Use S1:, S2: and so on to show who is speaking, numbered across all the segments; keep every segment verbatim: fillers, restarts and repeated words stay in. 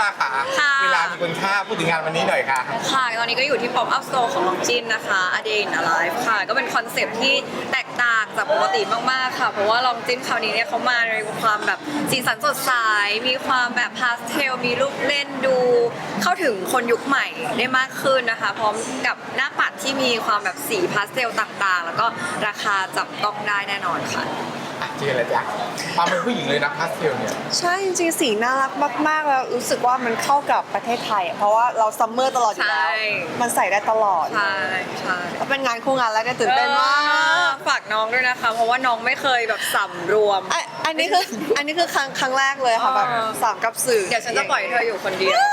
S1: ราค่ะเวลามีคุณค่าพูดถึงงานวันนี้หน่อยค่ะ
S2: ค่ะตอนนี้ก็อยู่ที่ Pop Up Store ของลองจินนะคะ A Day in a Life ค่ะก็เป็นคอนเซปต์ที่แตกต่างจากปกติมากๆค่ะเพราะว่าลองจินคราวนี้เนี่ยเขามาในความแบบสีสันสดใสมีความแบบพาสเทลมีลูกเล่นดูเข้าถึงคนยุคใหม่ได้มากขึ้นนะคะพร้อมกับหน้าปัดที่มีความแบบสีพาสเทลต่างๆแล้วก็ราคาจับต้องได้แน่นอนค่ะ
S1: เจอแล้วจ้ะความเป็นผู้หญิงเลยนะพาสเทลเนี่ย
S3: ใช่จริงๆสีน่ารักมากๆแล้วรู้สึกว่ามันเข้ากับประเทศไทยอะเพราะว่าเราซัมเมอร์ตลอดอยู่แล้วมันใส่ได้ตลอด
S2: ใช่ใช่
S3: แล้วเป็นงานคู่งานแล้วก็ตื่นเต้นมาก
S2: ฝากน้องด้วยนะคะเพราะว่าน้องไม่เคยแบบสำรวม
S3: อ่ะอันนี้คืออันนี้คือครั้งครั้งแรกเลยค่ะแบบสามกับสื่อ
S2: เดี๋ยวฉันจะปล่อยเธออยู่คนเดียว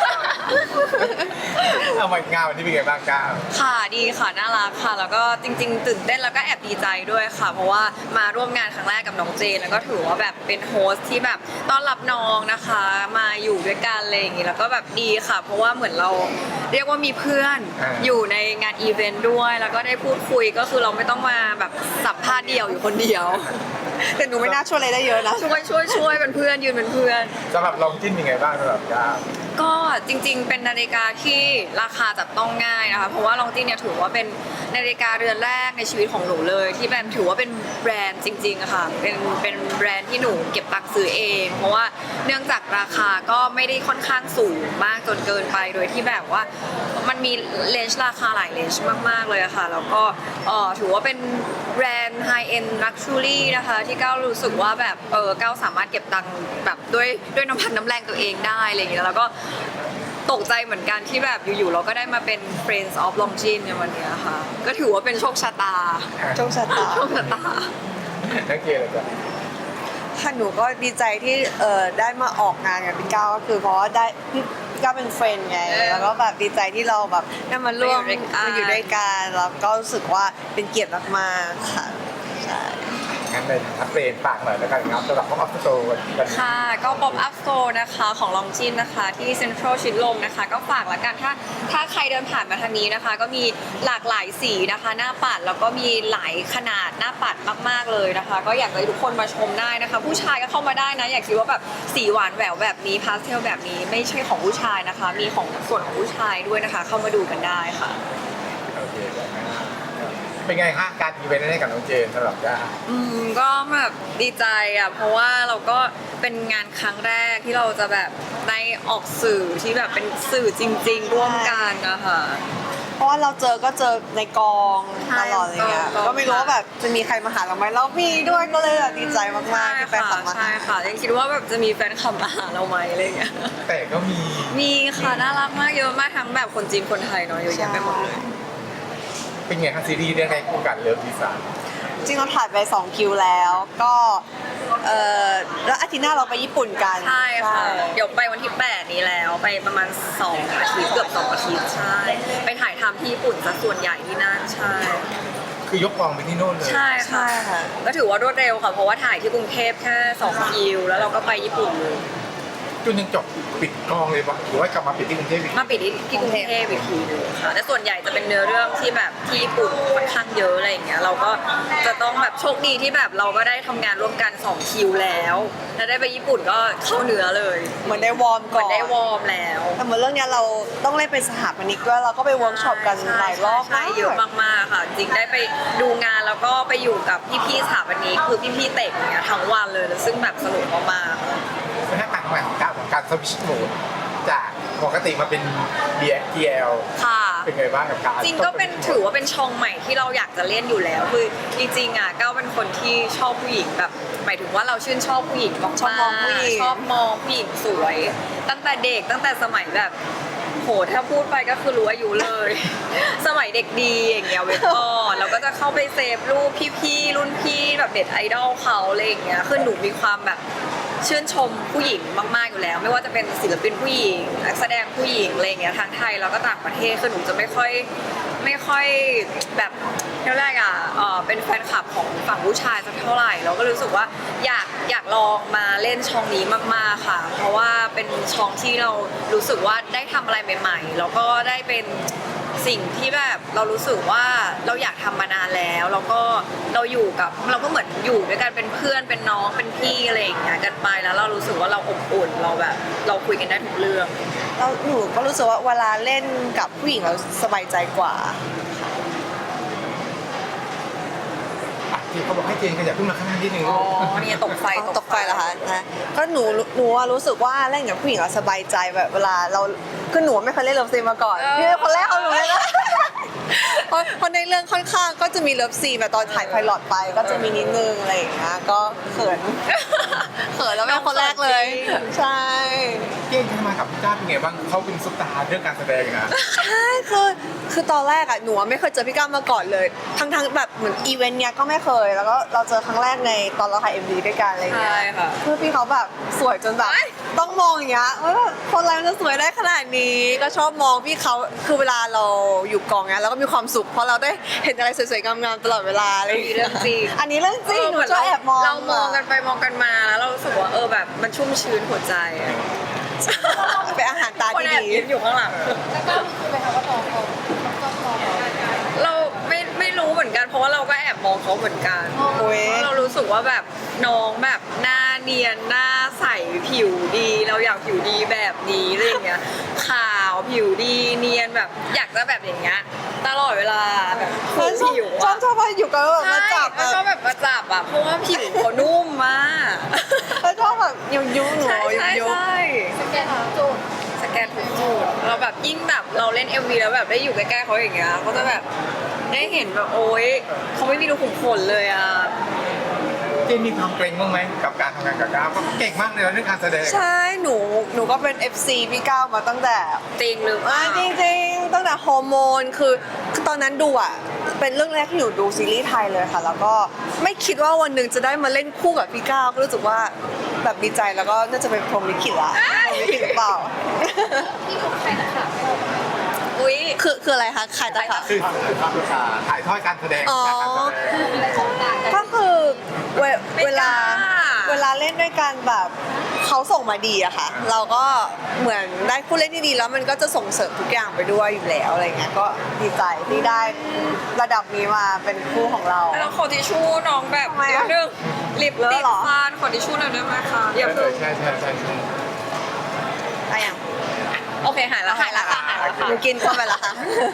S1: เอามางานวันนี้เป็นไงบ้างก้าว
S2: ค่ะดีค่ะน่ารักค่ะแล้วก็จริงๆตื่นเต้นแล้วก็แอบดีใจด้วยค่ะเพราะว่ามาร่วมงานครั้งแรกกับน้องเจนแล้วก็ถือว่าแบบเป็นโฮสที่แบบต้อนรับน้องนะคะมาอยู่ด้วยกันอะไรอย่างงี้แล้วก็แบบดีค่ะเพราะว่าเหมือนเราเรียกว่ามีเพื่อนอยู่ในงานอีเวนต์ด้วยแล้วก็ได้พูดคุยก็คือเราไม่ต้องมาแบบสัมภาษณ์เดี่ยวอยู่คนเดียว
S3: แต่หนูไม่น่าช่วยอะไรได้เยอะนะ
S2: ช่วยช่วยช่วยเป็นเพื่อนยืนเป็นเพื่อน
S1: สำหรับลองจิ้นเป็นไงบ้างสำหรับก้าว
S2: ก็จริงๆเป็นนาฬิกาที่ราคาจับต้องง่ายนะคะเพราะว่าลองจินเนี่ยถือว่าเป็นนาฬิกาเรือนแรกในชีวิตของหนูเลยที่แบรนด์ถือว่าเป็นแบรนด์จริงๆอะค่ะเป็นเป็นแบรนด์ที่หนูเก็บตังค์ซื้อเอง เพราะว่าเนื่องจากราคาก็ไม่ได้ค่อนข้างสูงมากจนเกินไปโดยที่แบบว่ามันมีเลนส์ราคาหลายเลนส์มากๆเลยอะค่ะแล้วก็เอ่อถือว่าเป็นแบรนด์ไฮเอ็นลักชูรี่นะคะที่ก้าวรู้สึกว่าแบบเออก้าวสามารถเก็บตังค์แบบด้วยด้วยน้ำพันน้ำแรงตัวเองได้อะไรอย่างเงี้ยแล้วก็ตกใจเหมือนกันที่แบบอยู่ๆเราก็ได้มาเป็น Friends of Longines ในวันนี้ค่ะก็ถือว่าเป็นโชคชะตา
S3: โชคชะตา
S2: โชคชะตา
S1: นักเกย์เลยจ้ะ
S3: ค่ะหนูก็ดีใจที่เอ่อได้มาออกงานกับพี่ก้าวก็คือเพราะว่าได้พี่ก้าวเป็นเฟรนด์ไงแล้วก็แบบดีใจที่เราแบบได้มาร่วมมาอยู่ด้วยกันแล้วก็รู้สึกว่าเป็นเกียรติมากๆค่ะใช่
S1: งั้นเป็นอัปเดตฝากหน่อยแล้วกันครับสำหรับ Pop Up Store วันนี้
S2: ค่ะก็ Pop Up Store นะคะของลองจินนะคะที่เซ็นทรัลชิดลมนะคะก็ฝากละกันถ้าถ้าใครเดินผ่านมาทางนี้นะคะก็มีหลากหลายสีนะคะหน้าปัดแล้วก็มีหลายขนาดหน้าปัดมากๆเลยนะคะก็อยากให้ทุกคนมาชมได้นะคะผู้ชายก็เข้ามาได้นะอยากคิดว่าแบบสีหวานแหววแบบนี้พาสเทลแบบนี้ไม่ใช่ของผู้ชายนะคะมีของส่วนของผู้ชายด้วยนะคะเข้ามาดูกันได้ค่ะ
S1: โอเคเป็นไงฮะการอีเวนต์ให้กับน้องเจนสำหรับก้า
S2: อืมก็แบบดีใจอ่ะเพราะว่าเราก็เป็นงานครั้งแรกที่เราจะแบบได้ออกสื่อที่แบบเป็นสื่อจริงๆร่วมกันนะคะ
S3: เพราะว่าเราเจอก็เจอในกองตลอดอะไรเงี้ยก็ไม่รู้ว่าแบบจะมีใครมาหาเราไหมเรามีด้วยก็เลยแบบดีใจมากๆที่แฟนคลับมา
S2: ใช่ค่ะยังคิดว่าแบบจะมีแฟนคลับมาหาเราไหมอะไรเงี้ย
S1: แต่ก็มี
S2: มีค่ะน่ารักมากเยอะมากทั้งแบบคนจีนคนไทยเนาะเยอะแยะไปหมดเลย
S1: เป็นไงครับซีรีส์เรื่องแรกคู่กันเลิฟดีไซน์
S3: จริงเราถ่ายไปสองคิวแล้วก็เออแล้วอาทิตย์หน้าเราไปญี่ปุ่นกัน
S2: ใช่ค่ะเดี๋ยวไปวันที่แปดนี้แล้วไปประมาณสองอาทิตย์เกือบสองอาทิตย์ใช่ไปถ่ายทำที่ญี่ปุ่นซะส่วนใหญ่ที่นั่นใช่
S1: คือยกกองไปที่โน่นเลย
S2: ใช่ค่ะก็ถือว่ารวดเร็วค่ะเพราะว่าถ่ายที่กรุงเทพแค่สองคิวแล้วเราก็ไปญี่ปุ่นเลย
S1: จนยังจบปิดกองเลยปะหรือว่ากลับมาปิดที่กรุงเทพอีก
S2: มาปิดที่กรุงเทพอีกทีนึงค่ะแต่ส่วนใหญ่จะเป็นเนื้อเรื่องที่แบบที่ญี่ปุ่นค่อนข้างเยอะอะไรอย่างเงี้ยเราก็จะต้องแบบโชคดีที่แบบเราก็ได้ทำงานร่วมกันสองคิวแล้วแล้วได้ไปญี่ปุ่นก็เข้าเนื้อเลย
S3: เหมือนได้วอร์มก่อน
S2: ได้วอร์มแล้ว
S3: แต่เหมือนเรื่องนี้เราต้องเล่นเป็นสถาปนิกด้วยเราก็ไปเวิร์กช็อปกันหลายรอบ
S2: ใช่เยอะมากๆค่ะจริงได้ไปดูงานแล้วก็ไปอยู่กับพี่ๆสถาปนิกคือพี่ๆเตะอย่างเงี้ยทั้งวันเลยซึ่งแบบสนุกมากๆ
S1: เป็นหน้าต่างใหม่ของการการสวิชโหมดจากปกติมาเป็น บี ที แอล
S2: ค่ะ
S1: เป็นไงบ้างกับการ
S2: จริงก็เป็นถือว่าเป็นช่องใหม่ที่เราอยากจะเล่นอยู่แล้วคือจริงๆอ่ะก้าวเป็นคนที่ชอบผู้หญิงแบบหมายถึงว่าเราชื่นชอบผู้หญิงมากๆชอบมองผู้หญิงชอบมองผู้หญิงสวย ตั้งแต่เด็กตั้งแต่สมัยแบบโหถ้าพูดไปก็คือรู้อายุเลย สมัยเด็กดีอย่างเงี้ยเว็บก่อนเราก็จะเข้าไปเซฟรูปพี่ๆรุ่นพี่แบบเด็ดไอดอลเขาอะไรอย่างเงี้ยคือหนูมีความแบบชื่นชมผู้หญิงมากๆอยู่แล้วไม่ว่าจะเป็นศิลปินผู้หญิงนักแสดงผู้หญิงอะไรอย่างเงี้ยทั้งไทยแล้วก็ต่างประเทศคือหนูจะไม่ค่อยไม่ค่อยแบบเท่าไหร่อ่ะเออเป็นแฟนคลับของฝั่งผู้ชายสักเท่าไหร่เราก็รู้สึกว่าอยากอยากลองมาเล่นช่องนี้มากๆค่ะเพราะว่าเป็นช่องที่เรารู้สึกว่าได้ทำอะไรใหม่ๆแล้วก็ได้เป็นสิ่งที่แบบเรารู้สึกว่าเราอยากทำมานานแล้วแล้วก็เราอยู่กับเราก็เหมือนอยู่ด้วยกันเป็นเพื่อนเป็นน้องเป็นพี่อะไรอย่างเงี้ยกันไปแล้วเรารู้สึกว่าเราอบอุ่นเราแบบ เราคุยกันได้ทุกเรื่อง
S3: เราหนูก็รู้สึกว่าเวลาเล่นกับผู้หญิงเราสบายใจกว่า
S1: อ่ะที่เขาบอกให้เจนขยับขึ้นมาข้างหน้านิดนึง
S2: อ๋
S1: ลู
S2: อก นี่ตกไฟ
S3: ตกไฟเหรอคะนะก็หนูหนูว่ารู้สึกว่าเล่นกับผู้หญิงเราสบายใจแบบเวลาเราคือหนูไม่เคยเล่นเลิฟซีนมาก่อนพี่เป็นคนแรกของหนูเลยนะเพราะเพราะในเรื่องค่อนข้างก็จะมีเลิฟซีนแบบตอนถ่ายไพลอตไป ก็จะมีนิดนึงอะไรอย่างเงี้ยก็เขิน เขินแล้วเป็นคนแรกเลย ใช่
S1: เจนทำมากับพี่ก้าวเป็นไงบ้างเขาเป็นซุปตาร์เรื่องการแสดงนะ
S3: ใช่คือคือตอนแรกอะหนูอะไม่เคยเจอพี่ก้าวมาก่อนเลย ทั้งทั้งแบบเหมือนอีเวนต์เนี้ยก็ไม่เคย แล้วก็เราเจอครั้งแรกในตอนเราถ่ายเอ็มวีด้วยกันอะไรเงี้ย
S2: ใช่ค่ะ
S3: คือพี่เขาแบบสวยจนแบบ
S2: เอ้ย
S3: ต้องมองอย่างเงี้ยว่าแบบคนอะไรมันจะสวยได้ขนาดนี้ ก็ชอบมองพี่เขาคือเวลาเราอยู่กองเนี้ยเราก็มีความสุขเพราะเราได้เห็นอะไรสวยๆงามๆตลอดเวลาอะไร
S2: มีเรื่องจริง
S3: อันนี้เรื่องจริงหนู
S2: เหมืน
S3: ชอบแอบมอง
S2: เรามองกันไปมองกันมาแล้วเรารู้สึกว่าเออแบบมันชุ่มชื้นหัวใจอะ
S3: เป็นอาหารตา
S2: คน
S3: ที่
S2: แอบ
S3: ดี
S2: ยิ้มอยู่ข้างหลัง
S4: แล้วก็คือไปทำว่าน้องเขาชอบน้องเรา
S2: เราไม่ไม่รู้เหมือนกันเพราะว่าเราก็แอบมองเขาเหมือนกัน
S3: โอ้ย
S2: เพราะเรารู้สึกว่าแบบน้องแบบหน้าเนียนหน้าใสผิวดี เราอยากผิวดีแบบนี้อะไรอย่างเงี้ยขาวผิวดีเนียนแบบอยากจะแบบอย่างเงี้ยตลอดเวลาแบบขูดผิว
S3: ชอ
S2: อะ
S3: บชอบพออยู่กันแล้วแบบมา
S2: ใช่
S3: จับ
S2: แล้วก็แบบมาจับอ่ะเพราะว่าผิวเขานุ่มมาก
S3: แล้วชอบแบบยุยยุหนู
S2: ใช่
S3: ยุ
S2: ใช่
S3: ยุ
S2: ใช่
S4: สแกนหาจุด
S2: สแกนทุกจุดเราแบบยิ่งแบบเราเล่น เอ็ม วี แล้วแบบได้อยู่ใกล้ๆเขาอย่างเงี้ยก็จะแบบได้เห็นแบบโอ๊ยเขาไม่มีรูขุมขนเลยอ่ะ
S1: เจนมีความเกรงบ้างไหมกับการทำงานกับก้าวเพราะเก่งมากเลยนะเรื่องการแสดง
S3: ใช่หนูหนูก็เป็น เอฟ ซี พี่ก้าวมาตั้งแต่
S2: จริงหรือเป
S3: อ่า
S2: ล่า
S3: จริงๆตั้งแต่ฮอร์โมนคือคือตอนนั้นดูอ่ะเป็นเรื่องแรกที่หนูดูซีรีส์ไทยเลยค่ะ แล้วก็ไม่คิดว่าวันหนึ่งจะได้มาเล่นคู่กับพี่ก้าวก็รู้สึกว่าแบบดีใจแล้วก็น่าจะเป็นพรหมลิขิตละพรหมลิขิตหรือเปล่า
S4: ที่ถูกใครนะคะ
S2: อุ้ย
S3: คือคืออะไรคะขายตะขาบ
S1: คือถ่ายทอดการแสดง
S3: อ๋อ
S1: จากการแสดง
S4: อะไรของต่างกัน
S3: ก็คือเว
S2: ไม่
S3: เวลาก
S2: ล้า
S3: เวลาเล่นด้วยกันแบบเขาส่งมาดีอะค่ะ เราก็เหมือนได้คู่เล่นที่ดีแล้วมันก็จะส่งเสริมทุกอย่างไปด้วยอยู่แล้วอะไรเงี้ยก็ดีใจที่ได้ระดับนี้มาเป็นคู่ของเรา
S2: แล้วขอทิชชู่น้องแบบ
S3: ทำไม
S2: เดี๋ย
S3: อะ
S2: วนึงลิป
S3: เลอะ
S2: ติด
S3: เหรอ
S2: ฟันขอทิชชู่หน่อยได้ไหมคะอย่า
S1: เอ
S2: เพิ่
S1: อง ใช่ใช่ใช่ใช่
S3: อะอย่าง
S2: โอเคหายแล้วหายแล้วค่ะหายแล้วค่ะ
S3: หนูกินเข้าไปแล้วค่ะ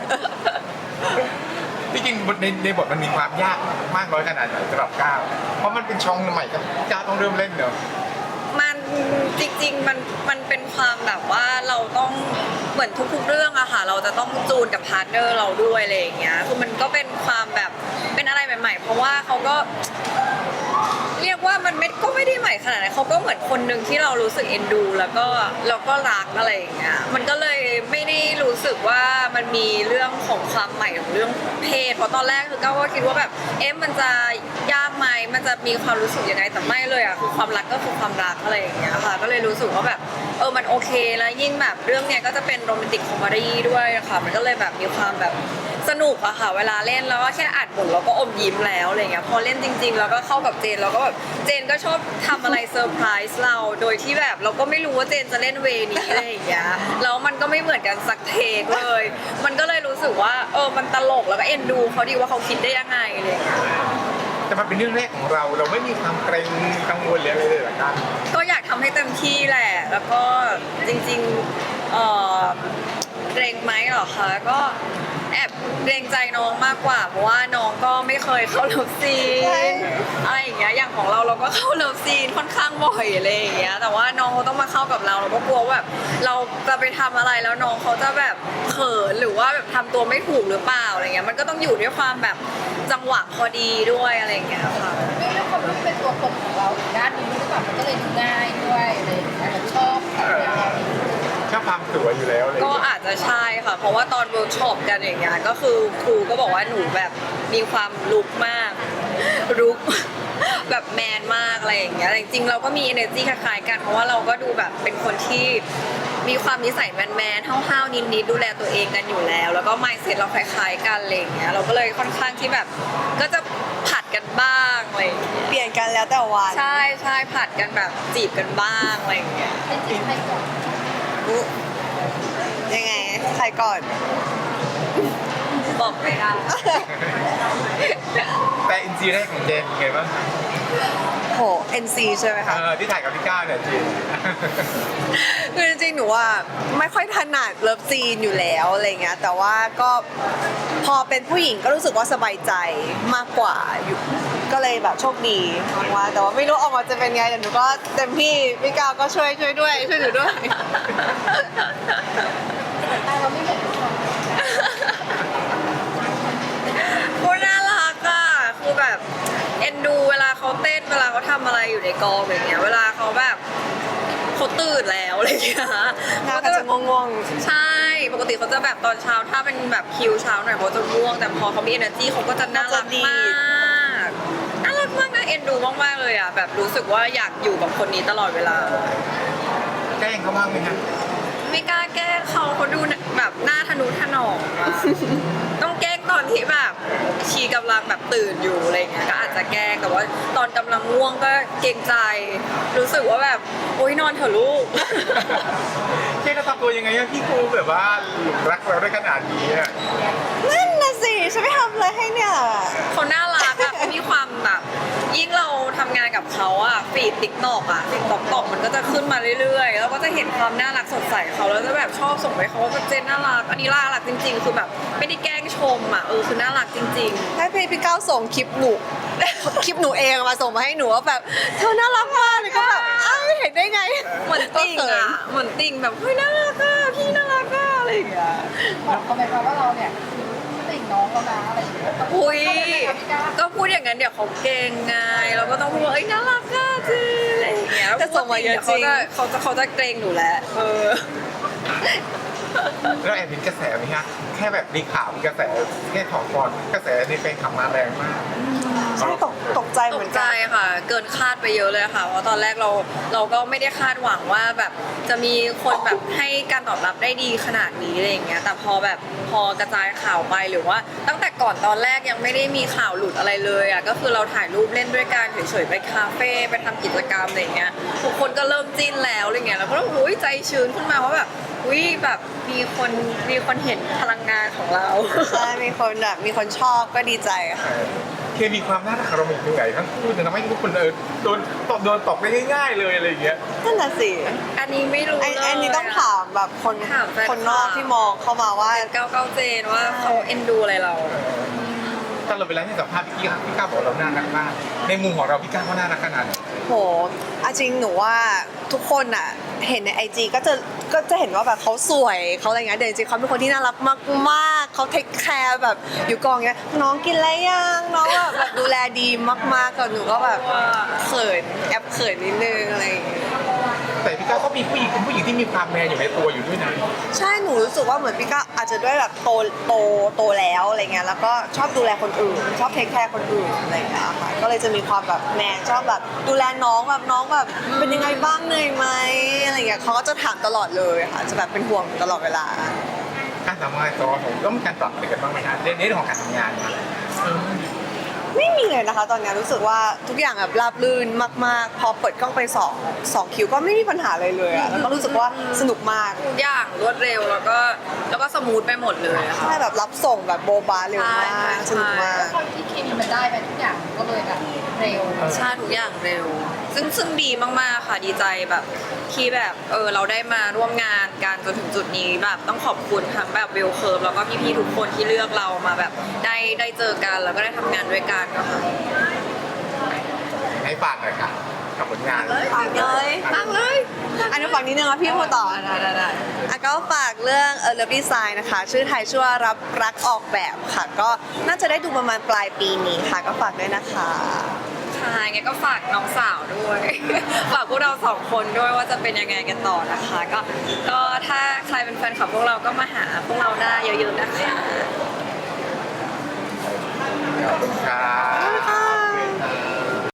S1: ที่จริงบทในในบทมันมีความยากมากน้อยขนาดไหนสำหรับก้าวเพราะมันเป็นช่องใหม่กับก้าวต้องเริ่มเล่นเนอะ
S2: มันจริงๆมันมันเป็นความแบบว่าเราต้องเหมือนทุกๆเรื่องอะค่ะเราจะต้องจูนกับพาร์ทเนอร์เราด้วยอะไรอย่างเงี้ยคือมันก็เป็นความแบบเป็นอะไรใหม่ๆ เพราะว่าเขาก็ เรียกว่ามันไม่ก็ไม่ได้ใหม่ขนาดนั้นเขาก็เหมือนคนหนึ่งที่เรารู้สึกเอ็นดู แล้วก็แล้วก็รักอะไรอย่างเงี้ยมันก็เลยไม่ได้รู้สึกว่ามันมีเรื่องของความใหม่ของเรื่องเพศเพราะตอนแรกคือก้าวก็คิดว่าแบบเอ๊ะมันจะยากไหมมันจะมีความรู้สึกยังไงแต่ไม่เลยอ่ะคือความรักก็คือความรักอะไรอย่างเงี้ยค่ะก็เลยรู้สึกว่าแบบเออมันโอเคแล้วยิ่งแบบเรื่องเนี้ยก็จะเป็นโรแมนติกคอมเมดี้ด้วยค่ะมันก็เลยแบบมีความแบบสนุกอะค่ะเวลาเล่นแล้วก็แค่อัดบทเราก็อมยิ้มแล้วอะไรเงี้ยพอเล่นจริง ๆ แล้วก็เข้ากับเจนเราก็แบบเจนก็ชอบทำอะไรเซอร์ไพรส์เราโดยที่แบบเราก็ไม่รู้ว่าเจนจะเล่นเวนี้อะไรอย่างเงี้ยแล้วมันก็ไม่เหมือนกันสักเทคเลย มันก็เลยรู้สึกว่าเออมันตลกแล้วก็เอ็นดูเขาดีว่าเขาคิดได้ยังไงอะไรอย่างเงี้ย
S1: แต่มันเป็นเรื่องแรกของเราเราไม่มีความเกรงกังวลหรืออะไรเลยเหรอก้าว
S2: ก็อยากทำให้เต็มที่แหละ แล้วก็จริงๆเอ่อเกรงไหมเหรอคะก็แอบเกรงใจน้องมากกว่า เพราะว่าน้องก็ไม่เคยเข้าเลิฟซี
S3: ใช่
S2: นอะไรอย่างเงี้ยอย่างของเราเราก็เข้าเลิฟซีนค่อนข้างบ่อยอะไรอย่างเงี้ยแต่ว่าน้องเขาต้องมาเข้ากับเราเราก็กลัวว่าแบบเราจะไปทำอะไรแล้วน้องเขาจะแบบเขินหรือว่าแบบทำตัวไม่ถูกหรือเปล่าอะไรเงี้ยมันก็ต้องอยู่ด้วยความแบบจังหวะพอดีด้วยอะไรอย่างเงี้ยค่ะ
S4: ด้วยด้วยความที่เป็นตัวตนของเราอีกด้านหนึงหรือเปล่ามันก็เลยดูง่ายด้วยอะไรอย่างเงี้ยชอบแบบเรา
S1: ชอบความสวยอยู่แล้วเลย
S2: ก็อาจจะใช่ค่ะ เพราะว่าตอนเวิร์กช็อปกันอย่างเงี้ยก็คือครูก็บอกว่าหนูแบบมีความลุกมากลุก แบบแมนมากอะไรอย่างเงี้ยแต่จริงๆเราก็มี energy คล้ายๆกันเพราะว่าเราก็ดูแบบเป็นคนที่มีความนิสัยแมนๆห้าวๆนิดๆดูแลตัวเองกันอยู่แล้ว แล้วก็ mindset เราคล้ายๆกันอะไรอย่างเงี้ยเราก็เลยค่อนข้างที่แบบก็จะผัดกันบ้างอะไรอย่างเงี้ย
S3: เปลี่ยนกันแล้วแต่วัน
S2: ใช่ใช่ผัดกันแบบจีบกันบ้างอะไรอย่างเงี้ย
S4: เป็นจิตใครก่อน
S3: อุ๊ยยังไงใครก่อน
S2: บอกไม่ได้
S1: แต่อินซีแรกของเจนเป็นไงบ้าง
S3: โห เอ็น ซี ใช่ไหมคะ
S1: เออที่ถ่ายกับพี่ก้าวเนี่ยจริง
S3: คือจริงๆ หนูว่าไม่ค่อยถนัดเลิฟซีนอยู่แล้วอะไรเงี้ย แต่ว่าก็พอเป็นผู้หญิงก็รู้สึกว่าสบายใจมากกว่าอยู่ ก็เลยแบบโชคดีมากว่าแต่ว่าไม่รู้ออกมาจะเป็นไงแต่หนูก็เต็มที่พี่กาวก็ช่วยช่วยด้วยช่วยหนูด้วย
S4: แต่เราไม่เหมือนผู้ชาย
S2: โคตรน่ารักอ่ะคือแบบเอ็นดูเวลาเขาเต้นเวลาเขาทำอะไรอยู่ในกองอย่างเงี้ยเวลาเขาแบบเขาตื่นแล้วอะไรอย่างเงี้ย
S3: หน้าก็จะง่วง
S2: ใช่ปกติเขาจะแบบตอนเช้าถ้าเป็นแบบคิวเช้าหน่อยเขาจะง่วงแต่พอเขามี energy เขาก็จะน่ารักมากน่ารักมากนะเอ็นดูมากๆเลยอ่ะแบบรู้สึกว่าอยากอยู่กับคนนี้ตลอดเวลา
S1: แกล้งเขาบ้างไหมฮะ
S2: ไม่กล้าแกล้งเขาเขาดูแบบหน้าทะนุถนอมอะ ต้องแกล้งตอนที่แบบชีกำลังแบบตื่นอยู่อะไรเงี้ยก็อาจจะแกล้งแต่ว่าตอนกำลังง่วงก็เกรงใจ รู้สึกว่าแบบโอ๊ยนอนเถอะลูก
S1: เจนจะทำตัวยังไงให้พี่ครูแบบว่าหลงรักเราได้ขนาดนี้อะ
S3: ๆนั่นน่ะสิฉันไม่ทำอะไรให้เนี่ย
S2: เขาน่ารักอะเขามีความแบบยิ่งเราทำงานกับเขาอะฟีดติ๊กตอกอะติ๊กตอกตอกมันก็จะขึ้นมาเรื่อยๆแล้วก็จะเห็นความน่ารักสดใสเขาแล้วจะแบบชอบส่งไปเขาว่าเจนน่ารักอันนี้น่ารักจริงๆ คือแบบไม่ได้แกล้งชมอะเออคือน่ารักจริง ๆ
S3: ให้พี่พี่ก้าวส่งคลิปหนู คลิปหนูเองมาส่งมาให้หนูว่าแบบเธอน่ารักมากเลยก็แบบอ้าวเห็นได้ไง
S2: เหมือนติ่งอ่ะ เหมือนติ่งแบบเฮ้ยน่ารักอ่ะพี่น่ารักอ่ะอะไรอย่างเงี้ย
S4: บอกเขาไหมคะว่าเราเนี่ยคือติ่งน้องแล้วนะอะไรอย่างเงี้ย
S2: อุ้ย
S4: เขาเป็นไหมคะพี่ก้าว
S2: ก็พูดอย่างนั้นเดี๋ยวเขาเก่งไงเราก็ต้องพูดว่าเอ้ยน่ารักอ่ะจริงอะไรอย่างเงี้ย
S3: จะส่งมาเยอะจริง
S2: ดี๋วเขาจะเขาจะเขาจะเกรงหนูแหละเออ
S1: แล้วแอบเห็นกระแสไหมฮะแค่แบบมีข่าวมีกระแสแค่ถอดก่อนกระแสในแฟนคลับมาแรงมาก
S3: ใช่ตกตกใจ
S2: ต
S3: เหมื
S2: ก
S3: อน
S2: ใจ
S3: กัน
S2: ค่ะ เกินคาดไปเยอะเลยค่ะเพราะตอนแรกเราเราก็ไม่ได้คาดหวังว่าแบบจะมีคนแบบให้การตอบรับได้ดีขนาดนี้อะไรอย่างเงี้ยแต่พอแบบพอกระจายข่าวไปหรือว่า ตั้งแต่ก่อนตอนแรกยังไม่ได้มีข่าวหลุดอะไรเลยอ่ะก็คือเราถ่ายรูปเล่นด้วยกันเฉยๆไปคาเฟ่ไปทำกิจกรรมอะไรอย่างเงี้ยทุกคนก็เริ่มจิ้นแล้วอะไรเงี้ยเราก็รู้อุ้ยใจชื้นขึ้นมาว่าแบบอุ้ยแบบมีคนมีคนเห็นพลังงานของเรา
S3: ใช่มีคนแบบมีคนชอบก็ดีใจค่ะ
S1: เออเคมีความน่ารักของเราเป็นยังไงทั้งคู่จะทำให้ทุกคนเออโดนตบโดนตกได้ง่ายๆเลยอะไรอย่างเงี้ย
S3: นั่นน่ะสิ
S2: อันนี้ไม่รู้
S3: ไอ้
S2: เลย
S3: อันนี้ต้องถามแบบคน
S2: ถามแฟน
S3: คนนอกที่มองเข้ามาว่า
S2: เก้าเก้าเจนว่าเขาเอ็นดูอะไรเรา
S1: ตลอดเวลาที่สัมภาษณ์พี่กี้ครับพี่ก้าวบอกว่าเราน่ารักมากในมุมของเราพี่ก้าวเขาน่ารักขนาดไหน
S3: โหอะจริงหนูว่าทุกคนอ่ะเห็นในไอจีก็จะก็จะเห็นว่าแบบเขาสวยเขาอะไรเงี้ยแต่จริงๆเขาเป็นคนที่น่ารักมากๆเขาเทคแคร์แบบอยู่กองเงี้ยน้องกินอะไรยังน้องแบบแบบดูแลดีมากๆกับหนูก็แบบเขินแอบเขินนิดนึงอะไรอย่างเงี้ย
S1: แต่พี่ก้าวก็มีผู้หญิงเป็นผู้หญิงที่มีความแมนอยู่ในตัวอยู่ด้วยนะ
S3: ใช่หนูรู้สึกว่าเหมือนพี่ก้าวอาจจะด้วยแบบโตโตโตแล้วอะไรเงี้ยแล้วก็ชอบดูแลคนอื่น ชอบเทคแคร์คนอื่นอะไรอย่างเงี้ยค่ะก็เลยจะมีความแบบแมนชอบแบบดูแลน้องแบบน้องแบบเป็นยังไงบ้างเหนื่อยไหมอะไรเงี้ยเขาก็จะถามตลอดเลยค่ะจะแบบเป็นห่วงตลอดเวลา
S1: การทำงานตัวผมต้องมีการปรับอะไรกันบ้างไหมฮะในในเรื่องของการทำงานนะเออ
S3: ไม่มีเลยนะคะ ตอนนี้รู้สึกว่าทุกอย่างแบบราบรื่นมากๆ พอเปิดกล้องไปสองสองคิวก็ไม่มีปัญหาเลยเลยอะแล้วก็รู้สึกว่าสนุกมาก
S2: ทุกอย่างรวดเร็วแล้วก็แล้วก็สมูทไปหมดเลยอะค่ะ
S3: ใช่แบบรับส่งแบบโบบาเร็วมาก
S2: ใช่ใช่
S3: สนุกมาก
S4: ความที่เคมีมันได้ไปทุกอย่างก็เลยแบบเร็ว
S2: ใช่ทุกอย่างเร็ว ซึ่งซึ่งดีมากๆค่ะดีใจแบบที่แบบเออเราได้มาร่วมงานกันจนถึงจุดนี้แบบต้องขอบคุณทั้งแบบเวลเคิร์ฟแล้วก็พี่ๆทุกคนที่เลือกเรามาแบบได้ได้เจอกันแล้วก็ได้ทำงานด้วยกันก็ค่ะ
S1: ให้ฝากหน่อยค่ะกับผลงาน
S3: ฝากเลย
S2: ตั้งเลย
S3: อันนี้ฝากนิดนึงนะพี่พูดต่อ
S2: ได้ได้ได้
S3: อ่ะก็ฝากเรื่องเออเลิฟดีไซน์นะคะ ชื่อไทยชื่อว่ารับรักออกแบบค่ะ ก็น่าจะได้ดูประมาณปลายปีนี้ค่ะ ก็ฝากด้วยนะคะ
S2: ค่ะงั้นก็ฝากน้องสาวด้วย ฝากพวกเราสองคนด้วยว่าจะเป็นยังไงกันต่อนะคะ ก็ก็ถ้าใครเป็นแฟนคลับพวกเราก็มาหาพวกเราได้เยอะๆนะคะ
S1: ขอบคุณครับ
S3: ค่ะ